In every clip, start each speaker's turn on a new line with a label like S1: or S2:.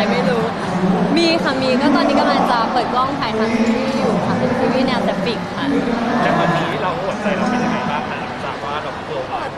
S1: ไม่รู้มีค่ะมีก็ตอนนี้กำลังจะเปิดกล้องถ่ายทำซีรีส์อยู่ค่ะเป็นซีรีส์แนวแซฟิกค่ะ
S2: แล้วตอนนี้เราหัวใจเราเป็นยังไงบ้างหลังจากว่าเราเปิดไป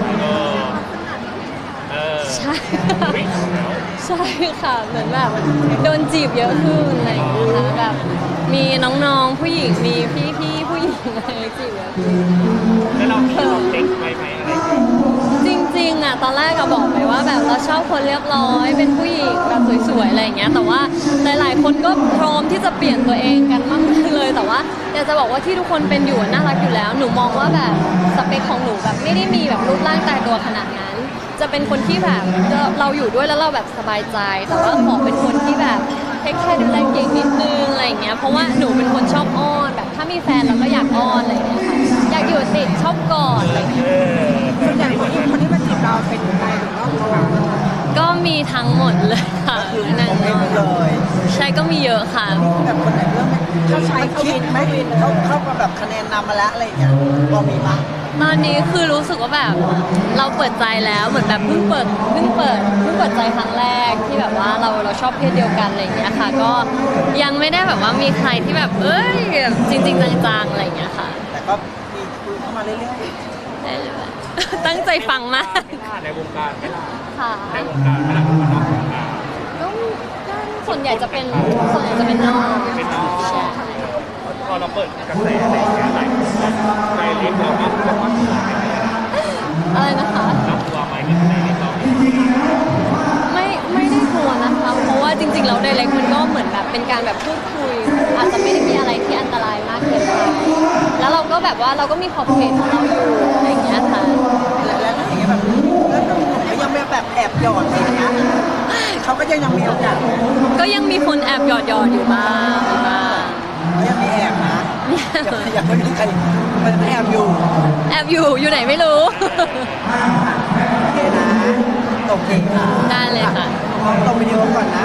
S1: ใช่
S2: วิ่งแล้ว
S1: ใช่ค่ะเหมือนแบบโดนจีบเยอะขึ้นอะไรอย่างเงี้ยค่ะแบบมีน้องๆผู้หญิงมีพี่ๆผู้หญิงอะไรจีบเยอะขึ้น
S2: แล้วเรามีลองเด็กไปไหมอะไรอย่างเงี้ย
S1: จริงๆอ่ะตอนแรกก็บอกไปว่าแบบเราชอบคนเรียบร้อยเป็นผู้หญิงแบบสวยๆอะไรอย่างเงี้ยแต่ว่าหลายๆคนก็พร้อมที่จะเปลี่ยนตัวเองกันมากเลยแต่ว่าอยากจะบอกว่าที่ทุกคนเป็นอยู่น่ารักอยู่แล้วหนูมองว่าแบบสเปคของหนูแบบไม่ได้มีแบบรูปร่างตายตัวขนาดนั้นจะเป็นคนที่แบบเราอยู่ด้วยแล้วเราแบบสบายใจแต่ว่าขอเป็นคนที่แบบเทคแคร์ดูแลเก่งนิดนึงอะไรอย่างเงี้ยเพราะว่าหนูเป็นคนชอบอ้อนแบบถ้ามีแฟนเราก็อยากอ้อนอะไรอย่างเงี้ยค่ะอยากอยู่ติดชอบกอดอะไรอย่างเงี้ย
S3: ส่วนใหญ่คนที่มาจีบเราเป็นใครหรือว่าเรา
S1: ก็มีทั้งหมดเลยค่ะนั่น
S3: ไม่เลย
S1: ใช่ก็มีเยอะค่ะ
S3: แบบคนไหนเรื่องเขาใช้เขาวินไม่วินเขามาแบบคะแนนนำมาแล้วอะไรอย่างเงี้ยพอมีมั้ย
S1: ตอนนี้คือรู้สึกว่าแบบเราเปิดใจแล้วเหมือนแบบเพิ่งเปิดใจครั้งแรกที่แบบว่าเราชอบเพศเดียวกันอะไรอย่างเงี้ยค่ะก็ยังไม่ได้แบบว่ามีใครที่แบบแบบจริงๆจังๆอะไรอย่างเงี้ยค่ะ
S3: แต่ก็มีคุยเข้ามาเรื่อย
S1: ได้เลย ตั้งใจฟังมาก
S2: ในวงการไม่ล่ะ
S1: ค่ะ
S2: ในวงการไม่ล่ะหรือว่านอกวงการ
S1: ก็ส่วนใหญ่จะเป็นน้อง
S2: เป็นน้อง
S1: ใช่
S2: พอเราเปิดกระแสอะไรอย่างเงี้ยหลายคนใจเล็กเราก็บอกว่าตัวไม่ได้
S1: อะไรนะคะ
S2: เรากลัวไหมที่ใจเล็กเรา
S1: ไม่ได้กลัวนะคะเพราะว่าจริงๆแล้วไดเรกมันก็เหมือนแบบเป็นการแบบพูดคุยอาจจะไม่ได้มีอะไรที่อันตรายมากเกินไปแล้วเราก็แบบว่าเราก็มีขอบเขตของเราอยู่อะไรอย่างเงี้ยค่ะ
S3: ๆแล้วอย่างเงี้ยแบบแล้วหนุ่มก็ยังไม่แบบแอบหยอดอะไรอย่างเงี้ยเขาก็ยังมีโอกาส
S1: ก็ยังมีคนแอบหยอดอยู่บ้าง
S3: เขายังมีแอบนะยังไม่มีใครมันแอบอยู่
S1: แอบอยู่ไหนไม่รู้
S3: โอเคนะโอเคค่ะ
S1: ได้เลยค่ะ
S3: ลองวิดีโอก่อนนะ